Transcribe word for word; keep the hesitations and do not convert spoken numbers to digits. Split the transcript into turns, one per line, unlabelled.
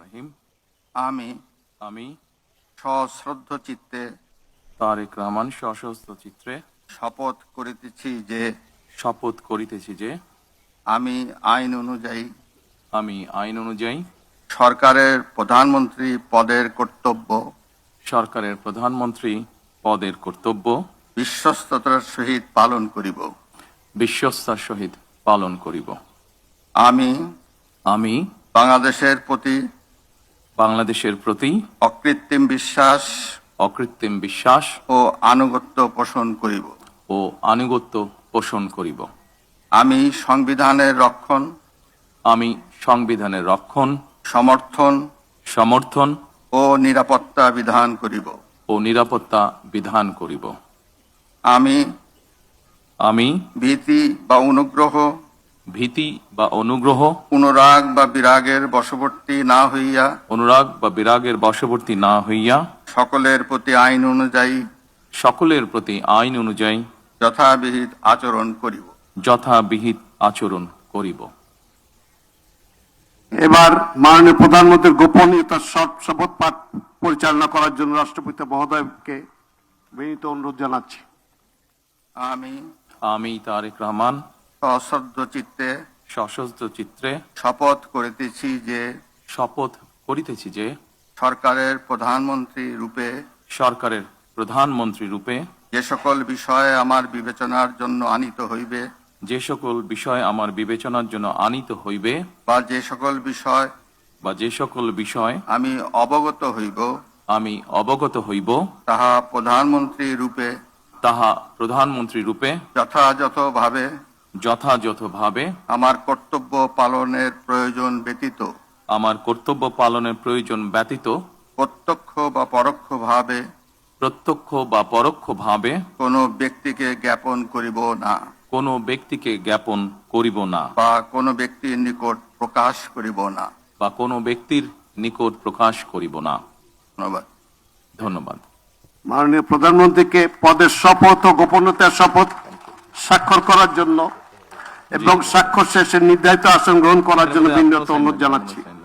রহিম।
আমি
আমি
সশ্রদ্ধ চিত্তে
তারেক রহমান সশস্ত্র চিত্রে
শপথ করিতেছি যে
শপথ করিতেছি যে
আমি আইন অনুযায়ী
আমি আইন অনুযায়ী
সরকারের প্রধানমন্ত্রী পদের কর্তব্য
সরকারের প্রধানমন্ত্রী পদের কর্তব্য
বিশ্বস্ততার সহিত পালন করিব।
বিশ্বস্তার সহিত পালন করিব।
আমি
আমি
বাংলাদেশের প্রতি
বাংলাদেশের প্রতি
অকৃত্রিম বিশ্বাস
অকৃত্রিম বিশ্বাস
ও আনুগত্য পোষণ করিব।
ও আনুগত্য পোষণ করিব।
আমি সংবিধানের রক্ষণ
আমি সংবিধানের রক্ষণ
সমর্থন
সমর্থন
ও নিরাপত্তা বিধান করিব।
ও নিরাপত্তা বিধান করিব।
আমি
আমি
ভীতি বা অনুগ্রহ
ভীতি বা অনুগ্রহ
অনুরাগ বা বিরাগের বশবর্তী না হইয়া
অনুরাগ বা বিরাগের বশবর্তী না হইয়া
সকলের প্রতি আইন অনুযায়ী
সকলের প্রতি আইন অনুযায়ী
যথাবিহিত আচরণ করিব।
যথাবিহিত আচরণ করিব।
এবার মাননীয় প্রধানমন্ত্রীর গোপনীয়তার শপ- শপথ পাঠ পরিচালনা করার জন্য রাষ্ট্রপতি মহোদয়কে বিনীত অনুরোধ জানাচ্ছি।
আমি
আমি তারেক রহমান
সশ্রদ্ধ চিত্তে
সশস্ত্র চিত্রে
শপথ করিতেছি যে
শপথ করিতেছি যে
সরকারের প্রধানমন্ত্রী রূপে
সরকারের প্রধানমন্ত্রী রূপে
যে সকল বিষয়ে আমার বিবেচনার জন্য আনিত হইবে
যে সকল বিষয় আমার বিবেচনার জন্য আনিত হইবে
বা যে সকল বিষয়
বা যে সকল বিষয়
আমি অবগত হইব
আমি অবগত হইব
তাহা প্রধানমন্ত্রী রূপে
তাহা প্রধানমন্ত্রী রূপে
যথাযথভাবে
যথাযথভাবে
আমার কর্তব্য পালনের প্রয়োজন ব্যতীত
আমার কর্তব্য পালনের প্রয়োজন ব্যতীত
প্রত্যক্ষ বা পরোক্ষভাবে
প্রত্যক্ষ বা পরোক্ষভাবে
কোনো ব্যক্তিকে জ্ঞাপন করিব না
কোনো ব্যক্তিকে জ্ঞাপন করিব না
বা কোনো ব্যক্তির নিকট প্রকাশ করিব না।
বা কোনো ব্যক্তির নিকট প্রকাশ করিব না।
ধন্যবাদ।
ধন্যবাদ।
মাননীয় প্রধানমন্ত্রীকে পদের শপথ ও গোপনীয়তার শপথ স্বাক্ষর করার জন্য এবং স্বাক্ষর শেষে নির্ধারিত আসন গ্রহণ করার জন্য বিনীত অনুরোধ জানাচ্ছি।